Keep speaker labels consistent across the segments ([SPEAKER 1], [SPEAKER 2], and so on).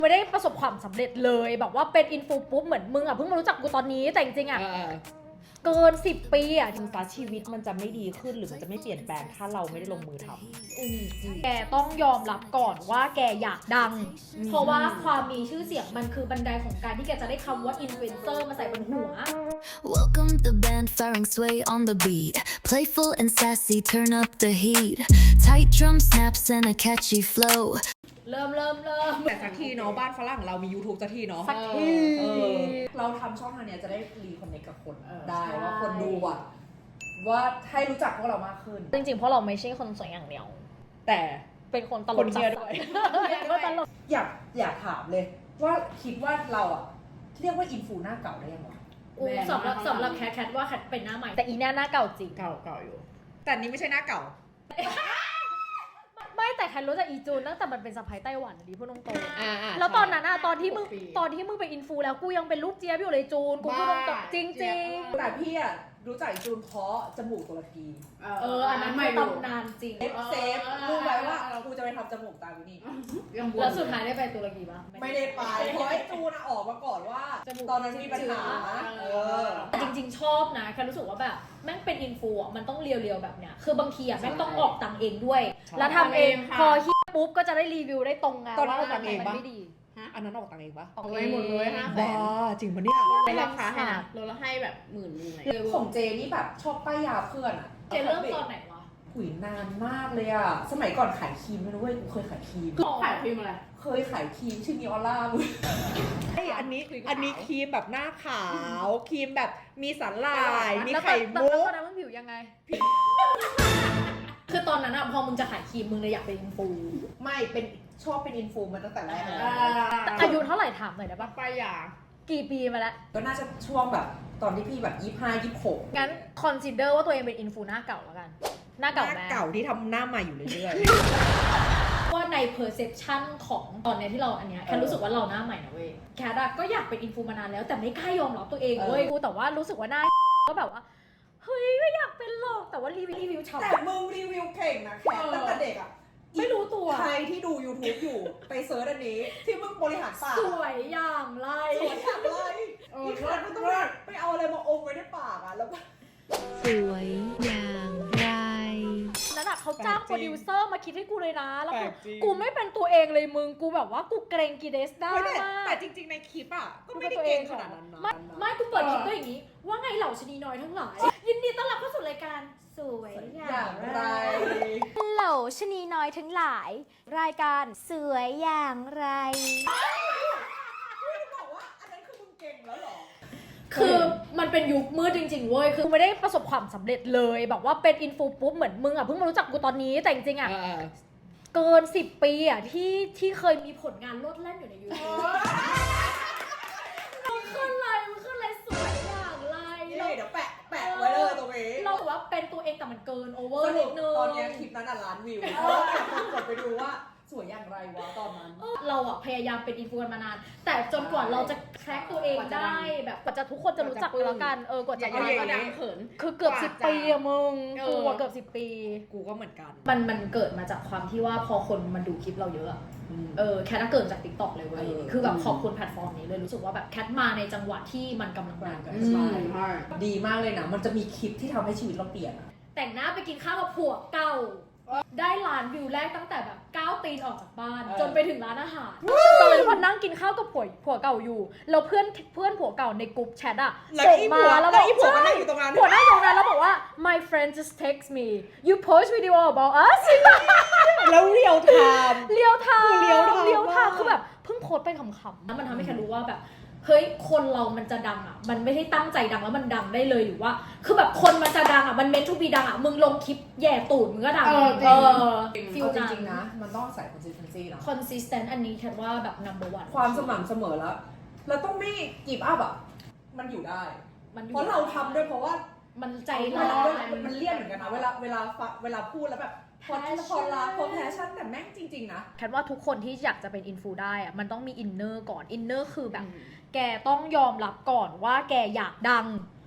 [SPEAKER 1] ไม่ได้ประสบความสำเร็จเลยแบบว่าเป็นอินฟูปุ๊บเหมือนมึงอ่ะเพิ่งมารู้จักกูตอนนี้แต่จริงๆอ่ะเกิน10 ปีอ่ะ
[SPEAKER 2] ถึงฟ้าชีวิตมันจะไม่ดีขึ้นหรือมันจะไม่เปลี่ยนแปลงถ้าเราไม่ได้ลงมือทำ
[SPEAKER 1] แกต้องยอมรับก่อนว่าแกอยากดังเพราะว่าความมีชื่อเสียงมันคือบันไดของการที่แกจะได้คำว่าอินฟลูเอนเซอร์มาใส่บนหัว
[SPEAKER 3] Welcome the band firing sway on the beat Playful and sassy turn up the heat Tight drum snaps and a catchy flow
[SPEAKER 1] เริ่ม
[SPEAKER 2] แต่สักทีเนาะบ้านฝรั่งเรามี YouTube สักทีเนาะ
[SPEAKER 1] สักที
[SPEAKER 2] เราทำช่องทางเนี้ยจะได้รีคอนเนคกับคนได้ว่าคนดูอ่ะว่าให้รู้จักพวกเรามากขึ้น
[SPEAKER 1] จริงๆเพราะเราไม่ใช่คนสวยอย่างเดียว
[SPEAKER 2] แต่
[SPEAKER 1] เป็นคนตล
[SPEAKER 2] ค
[SPEAKER 1] ก
[SPEAKER 2] นเชียร์ด้วย
[SPEAKER 1] ก็ตลก
[SPEAKER 2] อยากถามเลย ว่าคิดว่าเราอ่ะเรียกว่าอินฟูหน้าเก่าได้ยังวะ
[SPEAKER 1] สำหรับแคทว่าแคทเป็นหน้าใหม่แต่อีหน้าเก่าจริง
[SPEAKER 2] เก่าอยู่ แต่นี้ไม่ใช่หน้าเก่า
[SPEAKER 1] ไม่แต่แคทรู้จักอีจูนตั้งแต่มันเป็นสะพ้ายไต้หวันดิพูดตรงๆแล้ว
[SPEAKER 2] ใช่
[SPEAKER 1] ตอนนั้นอะตอนที่มึง
[SPEAKER 2] ปี
[SPEAKER 1] เป็นอินฟูแล้วกูยังเป็นลูกเจี๊ยบอยู่เลยจูนกูพูดตรงๆจริง
[SPEAKER 2] แต่พี่อ่ะรู้จักจูนเพราะจมูกตุรกี
[SPEAKER 1] อันนั้นไม่ตำนานจริง
[SPEAKER 2] เซฟรู้ไว้ว่ากูจะไปทำจมูกตามอยู่นี่
[SPEAKER 1] แล้วสุดท้ายได้ไปตุรกีปะ
[SPEAKER 2] ไม่ได้ไปเพราะไอ้จูนออกมาก่อนว่า ตอนนั้นมีปัญหา
[SPEAKER 1] จริงๆชอบนะแค่รู้สึกว่าแบบแม่งเป็นอินฟูอ่ะมันต้องเรียวๆแบบเนี้ยคือบางทีอ่ะแม่งต้องออกตังค์เองด้วย แล้วทำเองพอฮิตปุ๊บก็จะได้รีวิวได้ตรงไง
[SPEAKER 2] ตอนนั้น
[SPEAKER 1] ว่า
[SPEAKER 2] ออกตังค์เอง
[SPEAKER 1] มัน
[SPEAKER 2] ปะ
[SPEAKER 1] ไม่ดี
[SPEAKER 2] อันนั้นออกตังค์เองปะ
[SPEAKER 1] ออก
[SPEAKER 4] เอาไว้หมดเลย500,000
[SPEAKER 2] บ้าจริงปะเนี่ย
[SPEAKER 4] ไม่ราคาให้นะเราให้แบบ10,000เลย
[SPEAKER 2] ของเจนี่แบบชอบป้ายยาเพื่อนอ่ะ
[SPEAKER 1] เจเริ่มตอนไหนวะ
[SPEAKER 2] หุยนานมากเลยอ่ะสมัยก่อนขายครีมไม่รู้เว้ยกูเคยขายครีม
[SPEAKER 4] ขายครีมอะไร
[SPEAKER 2] เคยขายครีมชื่อมีออร่ามึงอันนี้ครีมแบบหน้าขาวครีมแบบมีสาหร่ายมีไข่มุ
[SPEAKER 1] แล้ว
[SPEAKER 2] ก
[SPEAKER 1] ตอนนั้นมึงผิวยังไง คือตอนนั้นอะพอมึงจะขายครีมมึงเลยอยากเป็นอินฟู
[SPEAKER 2] ไม่เป็นชอบเป็นอินฟูมาตั้งแต่แรกเลย
[SPEAKER 1] แต่อายุเท่าไหร่ถามหน่อยได้ปะ
[SPEAKER 4] ป้ายยา
[SPEAKER 1] กี่ปีมาแล้ว
[SPEAKER 2] ก็น่าจะช่วงแบบตอนที่พี่แบบ25-26
[SPEAKER 1] งั้นคอนซิเดอร์ว่าตัวเองเป็นอินฟูหน้าเก่าแล้วกัน หน้าเก่าแม่
[SPEAKER 2] เก่าที่ทำหน้าใหม่อยู่เรื่อย
[SPEAKER 1] ว่าใน perception ของตอนเนี้ยที่เราอันเนี้ยแค่รู้สึกว่าเราหน้าใหม่นะเว้ยแคทอะก็อยากเป็นอินฟูมานานแล้วแต่ไม่กล้ายอมรับตัวเองเว้ยกูแต่ว่ารู้สึกว่าหน้าก็แบบว่าเฮ้ยไม่อยากเป็นหรอกแต่ว่ารีวิว
[SPEAKER 2] ๆ
[SPEAKER 1] ชาว
[SPEAKER 2] แต่มึงรีวิวเก่งนะแค่ตั้งแต่เด็กอ่ะ
[SPEAKER 1] ไม่รู้ตัว
[SPEAKER 2] ใครที่ดู YouTube อยู่ไปเซิร์ชอันนี้ ที่มึงบริหารปาก
[SPEAKER 1] สวยอย่างไร
[SPEAKER 2] สวยอย่างไรอีกครั้งมึงต้องไปเอาอะไรมาอมไว้ในปากอ่ะแล้วก็
[SPEAKER 3] สวยอย่างไร
[SPEAKER 1] นั่นอะเขาจ้าง
[SPEAKER 2] แปลกจริง
[SPEAKER 1] โปรดิวเซอร์มาคิดให้กูเลยนะแล้ว
[SPEAKER 2] แปล
[SPEAKER 1] คือก
[SPEAKER 2] จริง
[SPEAKER 1] กูไม่เป็นตัวเองเลยมึงกูแบบว่ากูเกรงกีเดสได้
[SPEAKER 2] ไม่
[SPEAKER 1] มาก
[SPEAKER 2] แต่จริงๆในคลิปอ่ะก็ไม่ได้เก่งขนาดนั้นนะ
[SPEAKER 1] ไม่กูเปิดคลิปก็อย่างนี้ ว่าไงเหล่าชะนีน้อยทั้งหลาย ยินดีต้อนรับเข้าสู่รายการสวยอ
[SPEAKER 2] อย่
[SPEAKER 1] า
[SPEAKER 2] ย่าง ง
[SPEAKER 1] ไร
[SPEAKER 2] ไร
[SPEAKER 1] เหล่าชะนีน้อยทั้งหลาย รายการสวยอย่างไร
[SPEAKER 2] บอกว่าอันนั้นคือมึงเก่งแล้วเหรอ
[SPEAKER 1] คือมันเป็นยุคมืดจริงๆเว้ยคือไม่ได้ประสบความสำเร็จเลยแบบว่าเป็นอินฟูปุ๊บเหมือนมึงอ่ะเพิ่งมารู้จักกูตอนนี้แต่จริงๆอ่ะเกิน10 ปีอ่ะที่เคยมีผลงานโลดแล่นอยู่ในยูทูบมันขึ้นเลยสวยอย่างไร
[SPEAKER 2] นี่เดี๋ยวแปะไว้เลยตรงนี้
[SPEAKER 1] เราแบบว่าเป็นตัวเองแต่มันเกินโอเวอ
[SPEAKER 2] ส
[SPEAKER 1] ร์
[SPEAKER 2] รุ
[SPEAKER 1] นิ
[SPEAKER 2] ป
[SPEAKER 1] ดนึง
[SPEAKER 2] ตอนเนี้ยคลิปนั้นอ่ะล้านวิวกดไปดูว่าสวยอย่างไรวะตอนนั้น
[SPEAKER 1] เราอะพยายามเป็นอินฟลูเอนซ์มานาน แต่จนกว่าเราจะแคร็กตัวเองได้แบบกว่าจะทุกคนจะรู้จักกันแล้วกันกว่าจะ
[SPEAKER 4] อย่า
[SPEAKER 1] ดัง
[SPEAKER 4] ก็ดังเขิน
[SPEAKER 1] คือเกือบ10 ปีอะมึงกูอะเกือบ10 ปี
[SPEAKER 2] กูก็เหมือนกัน
[SPEAKER 1] มันเกิดมาจากความที่ว่าพอคนมันดูคลิปเราเยอะอะแคทเกิดจาก TikTok เลยเว้ยคือแบบขอบคุณแพลตฟอร์มนี้เลยรู้สึกว่าแบบแคทมาในจังหวะที่มันกำลังดัง
[SPEAKER 2] ใช่ดีมากเลยนะ มันจะมีคลิปที่ทำให้ชีวิตเราเปลี่ยนอะ
[SPEAKER 1] แต่งหน้าไปกินข้าวกับผัวเก่า ได้ล้านวิวแรกตั้งแต่แบบก้าวตีนออกจากบ้าน จนไปถึงร้านอาหารตอนนั้นพอนั่งกินข้าวกับผัวเก่าอยู่แล้วเพื่อนผัวเก่าในกลุ่มแชทอะส่งมาแล้วบอก
[SPEAKER 2] ผัวก็นั่งอยู่ตรงนั้น
[SPEAKER 1] ผัวนั่งอยู่ตรงนั้นแล้วบอกว่า my friend just text me you post video about us
[SPEAKER 2] แล้วเรียวไทม์
[SPEAKER 1] เรียวไทม์
[SPEAKER 2] เรียวไทม์
[SPEAKER 1] เรียวไทม์
[SPEAKER 2] มาก
[SPEAKER 1] คือแบบเพิ่งโพสต์ไปขำๆแล้วมันทำให้แค่รู้ว่าแบบเฮ้ยคนเรามันจะดังอ่ะมันไม่ได้ตั้งใจดังแล้วมันดังได้เลยหรือว่าคือแบบคนมันจะดังอ่ะมันเมนทูบีดังอ่ะมึงลงคลิปแย่ตูดมึงก็ดัง ฟิล
[SPEAKER 2] จ
[SPEAKER 1] นั้น
[SPEAKER 2] ริงๆนะ มันต้องใส่ consistency นะ
[SPEAKER 1] consistent อันนี้แค่ว่าแบบ number one
[SPEAKER 2] ความสม่ำเสมอแล้วเราต้องไม่กีบอัพอ่ะ มันอยู่ได้
[SPEAKER 1] มันอยู่
[SPEAKER 2] เพราะเราทำด้วยเพราะว่า
[SPEAKER 1] มันใจ
[SPEAKER 2] เว
[SPEAKER 1] ร้
[SPEAKER 2] ลา
[SPEAKER 1] อน
[SPEAKER 2] มันเลี่ยนเหมือนกันนะ เวลาพูดแล้วแบบพอรักพอแพชชั่นแต่แม่งจริงๆนะ
[SPEAKER 1] แค่ว่าทุกคนที่อยากจะเป็นอินฟูได้อ่ะมันต้องมีอินเนอร์ก่อนอินเนอร์คือแบบ แกต้องยอมรับก่อนว่าแกอยากดัง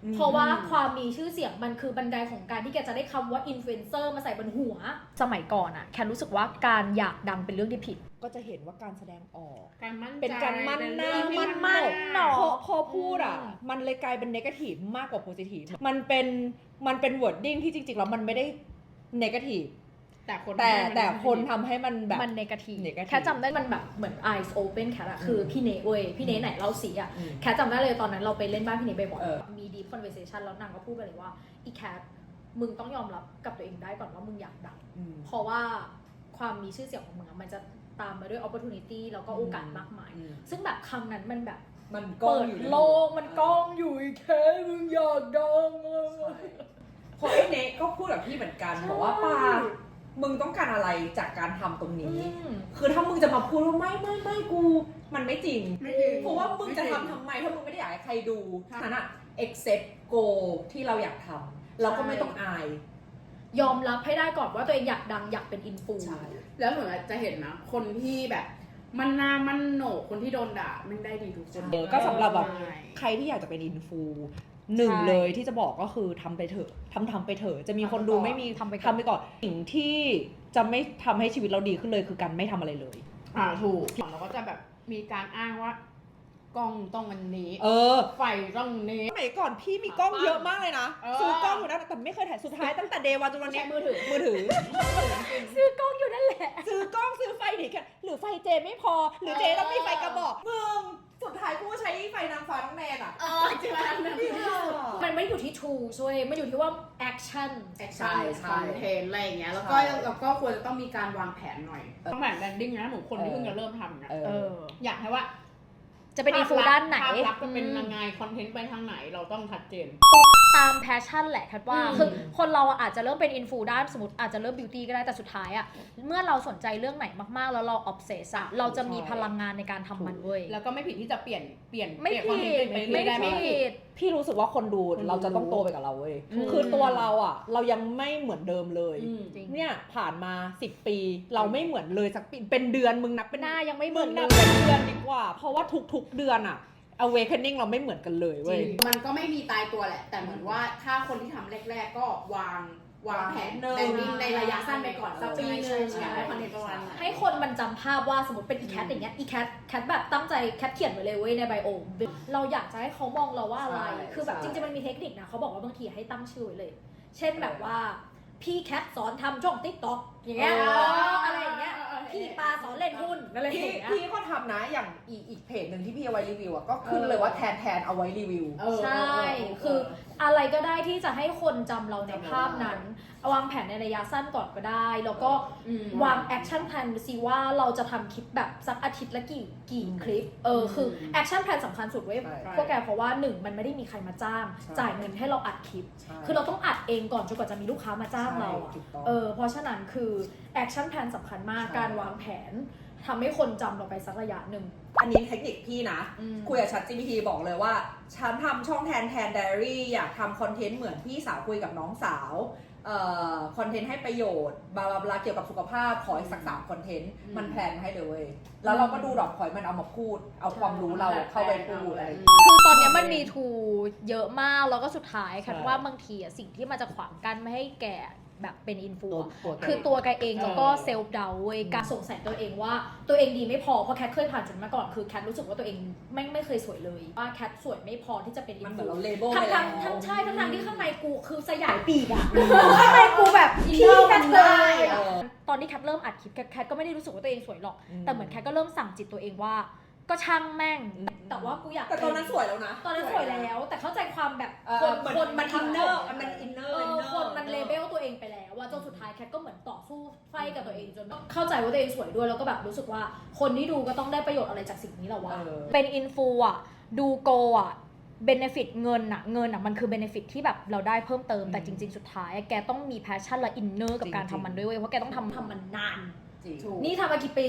[SPEAKER 1] เพราะว่าความมีชื่อเสียงมันคือบันไดของการที่แกจะได้คำว่าอินฟลูเอนเซอร์มาใส่บนหัวสมัยก่อนอะแค่รู้สึกว่าการอยากดังเป็นเรื่องที่ผิด
[SPEAKER 2] ก็จะเห็นว่าการแสดงออก
[SPEAKER 4] การมั่นใจ
[SPEAKER 2] เป็นการมั่นหน้า
[SPEAKER 4] เป็
[SPEAKER 2] มั่น
[SPEAKER 4] มั่น
[SPEAKER 2] หน้าพอพูดอ่ะมันเลยกลายเป็นเนกาทีฟมากกว่าโพซิทีฟมันเป็นวอร์ดดิ้งที่จริงๆแล้วมันไม่ได้เนกาทีฟแต่คนทำให้มันแบบ
[SPEAKER 1] มันเนกาทีฟแค่จำได้มันแบบเหมือน eyes open แค่อะคือพี่เนเว้ยพี่เนไหนเล่าสีอะแค่จำได้เลยตอนนั้นเราไปเล่นบ้านพี่เนบ่อยๆมี deep conversation แล้วนางก็พูดไปเลยว่าอีแคทมึงต้องยอมรับกับตัวเองได้ก่อนว่ามึงอยากดังเพราะว่าความมีชื่อเสียงของมึงมันจะตามมาด้วย opportunity แล้วก็โอกาสมากมายซึ่งแบบคำนั้นมันแบบ
[SPEAKER 2] มัน
[SPEAKER 1] เปิดโลกมันกล้องอยู่แค่มึงอยากดัง
[SPEAKER 2] เพราะไอ้เนกก็พูดกับพี่เหมือนกันบอกว่าปามึงต้องการอะไรจากการทำตรงนี้คือถ้ามึงจะมาพูดว่าไม่กูมันไม่จริงเพราะว่ามึงจะทำทำไมถ้ามึงไม่ได้อยากให้ใครดูฉะนั้น accept go ที่เราอยากทำเราก็ไม่ต้องอาย
[SPEAKER 1] ยอมรับให้ได้ก่อนว่าตัวเองอยากดังอยากเป็นอินฟู
[SPEAKER 4] แล้วเหมือนจะเห็นนะคนที่แบบมันหน้ามันโหนกคนที่โดนด่าไม่ได้ดีทุกคน
[SPEAKER 2] ก็สำหรับแบบใครที่อยากจะเป็นอินฟูหนึ่งเลยที่จะบอกก็คือทำไปเถอะทำไปเถอะจะมีคนดูไม่มีทำไปก่อนสิ่งที่จะไม่ทำให้ชีวิตเราดีขึ้นเลยคือการไม่ทำอะไรเลย
[SPEAKER 4] ถูกเราก็จะแบบมีการอ้างว่ากล้องต้องอันนี้ไฟต้องนี้
[SPEAKER 2] สมัยก่อนพี่มีกล้องเยอะมากเลยนะซื้อกล้องอยู่นั่นแต่ไม่เคยถ่ายสุดท้ายตั้งแต่เดย์วันจนวันนี้มือถือ
[SPEAKER 1] ซื้อกล้องอยู่นั่นแหละ
[SPEAKER 2] ซื้อกล้องซื้อไฟหนีกันหรือไฟเจไม่พอหรือเจต้องมีไฟกระบอกมึงสุดท้ายกูใช้ไฟนางฟ้าน้องแนนอ่ะ
[SPEAKER 4] จริงๆ
[SPEAKER 1] มันไม่อยู่ที่ tool ช่วยมันอยู่ที่ว่า action
[SPEAKER 4] คอนเทนต์อะไรอย่างเงี้ยแล้วก็ควรจะต้องมีการวางแผนหน่อยต้องแผนแบรนดิ้งนะหนูคนที่เพิ่งจะเริ่มทำนะอยากให้ว่า
[SPEAKER 1] จะเป็นอินฟูด้านไหน
[SPEAKER 4] ภาพลักษณ์จะเป็นยังไงคอนเทนต์ไปทางไหนเราต้องชัดเจน
[SPEAKER 1] ตามแพชชั่นแหละคัดว่าคือคนเราอาจจะเริ่มเป็นอินฟูด้านสมมติอาจจะเริ่มบิวตี้ก็ได้แต่สุดท้ายอะเมื่อเราสนใจเรื่องไหนมากๆแล้วเราออฟเซสอะเราจะมีพลังงานในการทำมันเว้ย
[SPEAKER 4] แล้วก็ไม่ผิดที่จะเปลี่ยน
[SPEAKER 1] ไม่ผิด
[SPEAKER 2] พี่รู้สึกว่าคนดูเราจะต้องโตไปกับเราเว้ยคือตัวเราอะเรายังไม่เหมือนเดิมเลยเนี่ยผ่านมา10 ปีเราไม่เหมือนเลยสักปีเป็นเดือนมึงนับเป็น
[SPEAKER 1] หน้ายังไม่เหมือน
[SPEAKER 2] นับเป็นเดือนดีกว่าเพราะว่าทุกๆเดือนอะawakening เราไม่เหมือนกันเลยเว้ย
[SPEAKER 4] มันก็ไม่มีตายตัวแหละแต่เหมือนว่าถ้าคนที่ทำแรกๆก็วางแผนแบนดิ้งในระยะสั้นไปก่อนสักปีนึงอยากได้คอนเทนต์ประมาณไหน
[SPEAKER 1] ให้คนมันจำภาพว่าสมมติเป็นอีแคทอย่างเงี้ยอีแคทแบบตั้งใจแคทเขียนไว้เลยเว้ยในไบโอเราอยากจะให้เขามองเราว่าอะไรคือแบบจริงๆมันมีเทคนิคนะเขาบอกว่าบางทีให้ตั้งชื่อไว้เลยเช่นแบบว่าพี่แคทสอนทำช่อง TikTok อย่างเงี้ยอะไรอย่างเงี้ยพี่ปาสอนเล่นหุ้นอะไรอย่างเงี้ย
[SPEAKER 2] พี่ก็ทำนะอย่างอีกเพจหนึ่งที่พี่เอาไว้รีวิวก็ขึ้นเลยว่าแทนเอาไว้รีวิว
[SPEAKER 1] ใช่คืออะไรก็ได้ที่จะให้คนจำเราในภาพนั้นวางแผนในระยะสั้นก่อนก็ได้แล้วก็วางแอคชั่นแพลนสิว่าเราจะทำคลิปแบบสักอาทิตย์ละกี่คลิปคือแอคชั่นแพลนสำคัญสุดเว้ยพวกแกเพราะว่า1มันไม่ได้มีใครมาจ้างจ่ายเงินให้เราอัดคลิปคือเราต้องอัดเองก่อนจนกว่าจะมีลูกค้ามาจ้างเราเพราะฉะนั้นคือแอคชั่นแพลนสำคัญมากการวางแผนทำให้คนจำเราไปสักระยะหนึ่ง
[SPEAKER 2] อันนี้เทคนิคพี่นะคุยกับ ChatGPT บอกเลยว่าฉันทำช่องแทนไดอารี่อยากทำคอนเทนต์เหมือนพี่สาวคุยกับน้องสาวคอนเทนต์ให้ประโยชน์บลาบลาเกี่ยวกับสุขภาพขออีกสัก3คอนเทนต์มันแพลนให้เลยแล้วเราก็ดูดอกขอยมันเอามาพูดเอาความรู้เราเข้าไปพูดอะไร
[SPEAKER 1] คือตอนนี้มันมีทูเยอะมากแล้วก็สุดท้ายคันว่าบางทีสิ่งที่มันจะขวางกันไม่ให้แกแบบเป็นอินฟูคือตัวแกเองแล้วก็เซลฟ์ดาวเว้ยการสงสัยตัวเองว่าตัวเองดีไม่พอเพราะแคทเคยผ่านจุดมาก่อนคือแคทรู้สึกว่าตัวเองไม่เคยสวยเลยว่าแคทสวยไม่พอที่จะเป็นอินฟูทั้งใช่ทั้งที่ข้างในกูคือสยายปีกอะข้างในกูแบบพี่แคทเลยตอนที่แคทเริ่มอัดคลิปแคทก็ไม่ได้รู้สึกว่าตัวเองสวยหรอกแต่เหมือนแคทก็เริ่มสั่งจิตตัวเองว่าก็ช่างแม่งแต่ว่ากูอยาก
[SPEAKER 2] แต่ตอนนั้นสวยแล้วนะ
[SPEAKER 1] ตอนนั้นสวยแล้วแต่เข้าใจความแบบคนมันอินเนอร์คนมันเลเบลตัวเองไปแล้วว่าจนสุดท้ายแคทก็เหมือนต่อสู้ไฟกับตัวเองจนเข้าใจว่าตัวเองสวยด้วยแล้วก็แบบรู้สึกว่าคนที่ดูก็ต้องได้ประโยชน์อะไรจากสิ่งนี้แหละวะเป็นอินฟูอ่ะดูโกอ่ะเบเนฟิตเงินอ่ะมันคือเบเนฟิตที่แบบเราได้เพิ่มเติมแต่จริงๆสุดท้ายแกต้องมีแพชชั่นและอินเนอร์กับการทำมันด้วยเพราะแกต้องทำมันนานนี่ทำมากี่ปี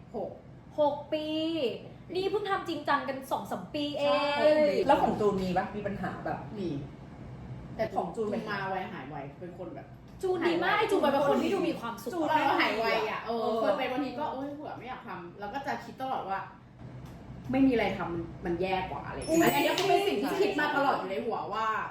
[SPEAKER 1] 6 ปีนี่เพิ่งทำจริงจังกัน 2-3 ปีเอง
[SPEAKER 2] แล้วของจูนมีปะมีปัญหาแบบ
[SPEAKER 4] มีแต่ของจูนมาไวหายไวเป็นคนแบบ
[SPEAKER 1] จูนดีมากไอจูนเป็นคนที่ดูมีความสุข
[SPEAKER 4] จูนแล้วหายไวอ่ะเคยไปบางทีก็เผื่อไม่อยากทำแล้วก็จะคิดตลอดว่าไม่มีอะไรทำมันแย่กว่าอะไรอันนี้ก็เป็นสิ่งที่คิดมาตลอดอยู่ในหัวว่า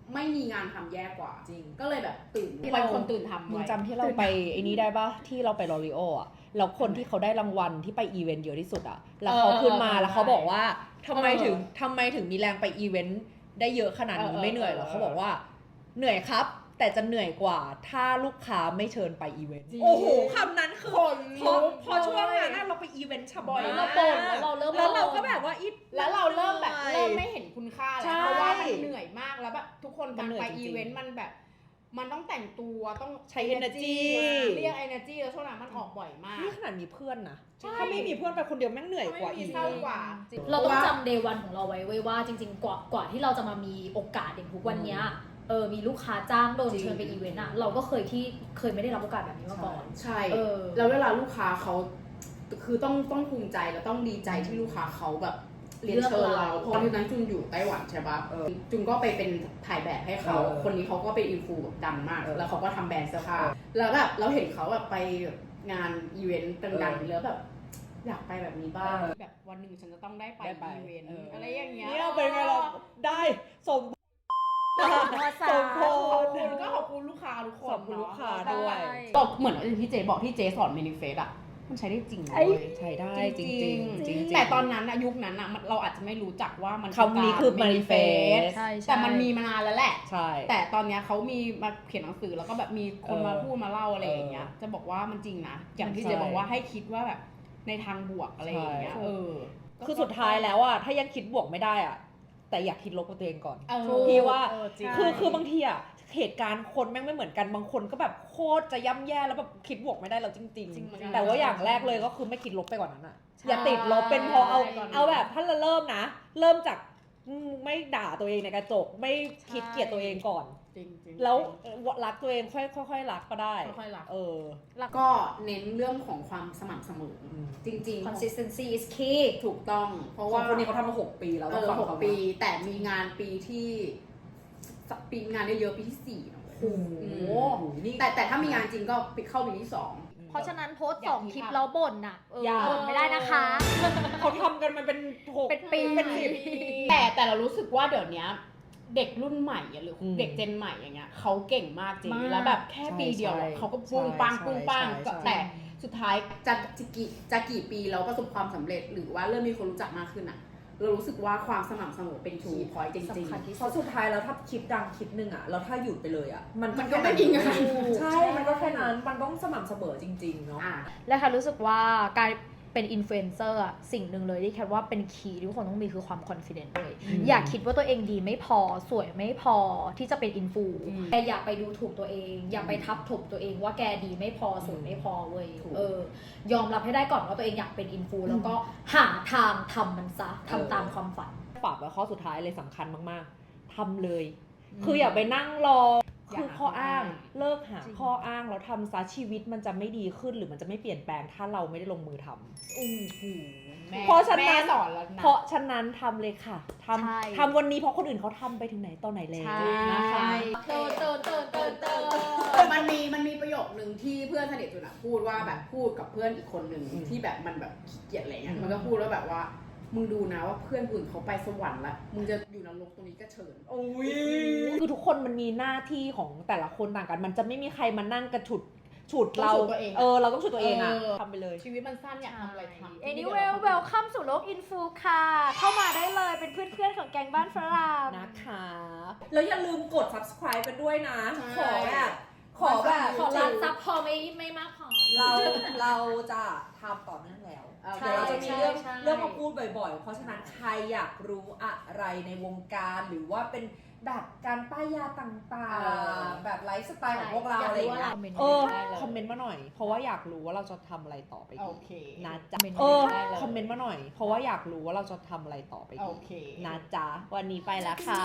[SPEAKER 4] ไม่มีงานทำแย่กว่า
[SPEAKER 2] จริง
[SPEAKER 4] ก็เลยแบบตื่น
[SPEAKER 5] ที่
[SPEAKER 4] วั
[SPEAKER 5] เรา
[SPEAKER 4] นคนตื่นทำ
[SPEAKER 5] มึง
[SPEAKER 4] ไว้
[SPEAKER 5] จำที่เราไปไอ้นี้ได้ปะที่เราไปลอรีโออะแล้วคนที่เขาได้รางวัลที่ไปอีเวนต์เยอะที่สุดอะแล้วเขาขึ้นมาแล้วเขาบอกว่าทำไมถึงมีแรงไปอีเวนต์ได้เยอะขนาดนี้ไม่เหนื่อยหรอเขาบอกว่าเหนื่อยครับ แต่จะเหนื่อยกว่าถ้าลูกค้าไม่เชิญไปอีเวนต์โอ้โหคำนั้นคือพอช่วงนั้นเราไปอีเวนต์บ่อย
[SPEAKER 1] เรา
[SPEAKER 5] มาก
[SPEAKER 1] บ่นแล้วเราเริ่ม
[SPEAKER 5] แล้วเราก็แบบว่า
[SPEAKER 4] แล้วเราเริ่มแบบเริ่มไม่เห็นคุณค่า
[SPEAKER 5] ใช่
[SPEAKER 4] แล้วเพราะว่ามันเหนื่อยมากแล้วแบบทุกคน
[SPEAKER 5] มันเหนื่อย
[SPEAKER 4] ไป
[SPEAKER 5] จริงๆ
[SPEAKER 4] อีเวนต์มันแบบมันต้องแต่งตัวต้อง
[SPEAKER 5] ใช้ energy
[SPEAKER 4] เรียก energy แล้วช่วงนั้นมันออกบ่อยมาก
[SPEAKER 5] นี่ขนาดมีเพื่อนนะ
[SPEAKER 4] ใช่
[SPEAKER 5] ถ้าไม่มีเพื่อนไปคนเดียวแม่งเหนื่อยกว่า
[SPEAKER 4] ไม่มี
[SPEAKER 5] อีก
[SPEAKER 4] เศร้ากว่า
[SPEAKER 1] เราต้องจำเดย์วันของเราไว้เว้ยว่าจริงๆกว่าที่เราจะมามีโอกาสอย่างทุกวันเนี้ยมีลูกค้าจ้างโดนเชิญไปอีเวนต์อะเราก็เคยไม่ได้รับโอกาสแบบนี้มาก่อน
[SPEAKER 4] ใช่
[SPEAKER 1] เออ
[SPEAKER 4] แล้วเวลาลูกค้าเขาคือต้องภูมิใจแล้วต้องดีใจที่ลูกค้าเขาแบบเรียนเชิญเราเพราะตอนนั้นจุนอยู่ไต้หวันใช่ปะจุนก็ไปเป็นถ่ายแบบให้เขาคนนี้เขาก็เป็นอินฟูแบบดังมาก แล้วเขาก็ทำแบรนด์เสื้อผ้าแล้วแบบเราเห็นเขาแบบไปงานอีเวนต์ดังๆแล้วแบบอยากไปแบบนี้บ้างแบบวันหนึ่งฉันจะต้องได้ไปอีเวนต์อะไรอย่างเงี้ย
[SPEAKER 5] เนี่ยเป็นไงเราได้สมสมพร
[SPEAKER 4] ก็ขอบคุณลูกค้าทุกคน
[SPEAKER 5] ขอบคุณลูกค้าด้วย
[SPEAKER 4] ก็เหมือนที่เจ๊บอกที่เจ๊สอนเมนิเฟสอะมันใช้ได้จริงเลย
[SPEAKER 5] ใช้ได้จริงจริง
[SPEAKER 4] แต่ตอนนั้นยุคนั้นอะเราอาจจะไม่รู้จักว่ามัน
[SPEAKER 5] คำนี้คือ manifest
[SPEAKER 1] ใช่
[SPEAKER 4] แต่มันมีมานานแล้วแหละ
[SPEAKER 5] ใช่
[SPEAKER 4] แต่ตอนเนี้ยเขามีมาเขียนหนังสือแล้วก็แบบมีคนมาพูดมาเล่าอะไรอย่างเงี้ย จะบอกว่ามันจริงนะ อย่างที่เจ๊บอกว่าให้คิดว่าแบบในทางบวกอะไรอย่างเงี้ย
[SPEAKER 5] คือสุดท้ายแล้วอะถ้ายังคิดบวกไม่ได้อะแต่อยากคิดลบกับตัวเองก่อน
[SPEAKER 4] ถูก
[SPEAKER 5] พี่ว่า
[SPEAKER 4] จริง
[SPEAKER 5] คือบางทีอะเหตุการณ์คนแม่งไม่เหมือนกันบางคนก็แบบโคตรจะย่ำแย่แล้วแบบคิดบวกไม่ได้แล้วจริงๆแต่ว่าอย่างแรกเลยก็คือไม่คิดลบไปกว่านั้นอะอย่าติดลบเป็นพอเอาแบบถ้าเราเริ่มนะ เริ่มจากไม่ด่าตัวเองในกระจกไม่คิดเกลียดตัวเองก่อน
[SPEAKER 4] จริง
[SPEAKER 5] แล้วรักตัวเองค่อยๆรักก็ได้
[SPEAKER 4] ค่อยๆรัก
[SPEAKER 1] แล้ว
[SPEAKER 4] ก็เน้นเรื่องของความสม่ำเสมอจริงๆ
[SPEAKER 1] consistency is key
[SPEAKER 4] ถูกต้อง เพราะ
[SPEAKER 2] ว่า
[SPEAKER 4] ว่า
[SPEAKER 2] คนนี้เขาทำมา6 ปีแล้วต้องฟังเขา
[SPEAKER 4] 6 ปีแต่มีงานปีที่งานเยอะๆปีที่4นะ
[SPEAKER 2] โอ้โหนี่
[SPEAKER 4] แต่ถ้ามีงานจริงก็เข้าปีที่ 2
[SPEAKER 1] เพราะฉะนั้นโพสต์
[SPEAKER 4] อยาก
[SPEAKER 1] 2 คลิป
[SPEAKER 4] คิด
[SPEAKER 1] แล้วบ่นน่ะ
[SPEAKER 5] อย่า
[SPEAKER 1] บ่นไม่ได้นะคะ
[SPEAKER 5] เขาทำกันมันเป็น6
[SPEAKER 1] เป็นปี
[SPEAKER 5] เป็น10
[SPEAKER 4] แต่เรารู้สึกว่าเดี๋ยวนี้เด็กรุ่นใหม่อะหรือเด็กเจนใหม่อย่างเงี้ยเขาเก่งมากจริง
[SPEAKER 1] มาก
[SPEAKER 4] แล้วแบบแค่ปีเดียวอะเขาก็ปุ้งปังปุ้งปังแต่สุดท้ายจะกี่ปีเราประสบความสำเร็จหรือว่าเริ่มมีคนรู้จักมากขึ้นอะเรารู้สึกว่าความสม่ำเสมอเป็นคีย์พอยต์จริง
[SPEAKER 1] สำคัญที่
[SPEAKER 2] เพ
[SPEAKER 1] สุด
[SPEAKER 2] ราะสุดท้ายแล้วถ้าคลิปดังคลิปหนึ่งอะแล้วถ้าหยุดไปเลยอะมัน
[SPEAKER 4] ก็ไม่มีงาน
[SPEAKER 2] ใช่มันก็แค่นั้นมันต้องสม่ำเสมอจริงๆเนาะ
[SPEAKER 1] และค่ะรู้สึกว่าการเป็นอินฟลูเอนเซอร์อะสิ่งหนึ่งเลยที่แค่ว่าเป็นคีย์ที่ทุกคนต้องมีคือความคอนฟ idence เลยอย่าคิดว่าตัวเองดีไม่พอสวยไม่พอที่จะเป็นอินฟูแต่อย่าไปดูถูกตัวเอง อย่าไปทับถมตัวเองว่าแกดีไม่พอสวยไม่พอเว้ยยอมรับให้ได้ก่อนว่าตัวเองอยากเป็นอินฟูแล้วก็หาทางทำมันซะทำตามความฝัน
[SPEAKER 5] ฝากไว้ข้อสุดท้ายเลยสำคัญมากๆทำเลย คืออย่าไปนั่งรอคือข้ออ้างเลิกหาข้ออ้างแล้วทำซะชีวิตมันจะไม่ดีขึ้นหรือมันจะไม่เปลี่ยนแปลงถ้าเราไม่ได้ลงมือทำเพราะฉะนั้น
[SPEAKER 4] สอนแล้วนะ
[SPEAKER 5] เพราะฉะนั้นทำเลยค่ะ
[SPEAKER 1] ใช่
[SPEAKER 5] ทำวันนี้เพราะคนอื่นเขาทำไปถึงไหนตอนไหนแล้วนะคะ
[SPEAKER 1] เติน
[SPEAKER 4] มันมีประโยคนึงที่เพื่อนสนิทจุนอะพูดว่าแบบพูดกับเพื่อนอีกคนนึงที่แบบมันแบบขี้เกียจอะไรเงี้ยมันก็พูดว่าแบบว่ามึงดูนะว่าเพื่อนอื่นเขาไปสวรรค์ละมึงจะอยู่นรกตรงนี้ก็เชิญ
[SPEAKER 5] คือทุกคนมันมีหน้าที่ของแต่ละคนต่างกัน มันจะไม่มีใครมานั่งกระฉุดเรา
[SPEAKER 4] ต้องฉุดตัวเอง
[SPEAKER 5] เราต้องฉุดตัวเองอะ
[SPEAKER 4] เออ
[SPEAKER 5] ทำไปเลย
[SPEAKER 4] ชีวิตมันสั้นอยากทำอะไรทำ
[SPEAKER 1] Anyway welcome สู่โลกอินฟูค่ะ เข้ามาได้เลยเป็นเพื่อนๆของแกงบ้านฝรั่ง
[SPEAKER 5] นะคะ
[SPEAKER 2] แล้วอย่าลืมกด subscribe กันด้วยนะ ขอแบบขอ
[SPEAKER 1] ขอรับซับพอไม่มากพอ
[SPEAKER 2] เราจะทำต่อเนื่องแล้ว
[SPEAKER 1] ใช่
[SPEAKER 2] เดี๋ยวเราจะมีเรื่อง
[SPEAKER 1] ใช่
[SPEAKER 2] เรื่องมาพูดบ่อยๆ เพราะฉะนั้นใครอยากรู้อะไรในวงการหรือว่าเป็นแบบการป้ายยาต่างๆ แบบไลฟ์สไตล์ของพวกเราอะไรอย่างเงี้ย
[SPEAKER 5] คอมเมนต์มาหน่อย เพราะว่าอยากรู้ว่าเราจะทำอะไรต่อไป
[SPEAKER 4] โอ
[SPEAKER 5] อีก
[SPEAKER 4] เค
[SPEAKER 5] นะจ๊ะ
[SPEAKER 1] เมนต์
[SPEAKER 4] ได้เลย
[SPEAKER 5] คอมเมนต์มาหน่อย เพราะว่าอยากรู้ว่าเราจะทำอะไรต่อไป
[SPEAKER 4] โอ
[SPEAKER 5] อีก
[SPEAKER 4] เค
[SPEAKER 5] นะจ๊ะ วันนี้ไปแล้วค่ะ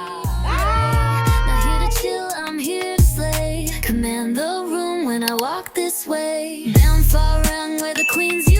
[SPEAKER 3] Not here to chill, I'm here to slay. Command the room when I walk this way. Down far rung where the queens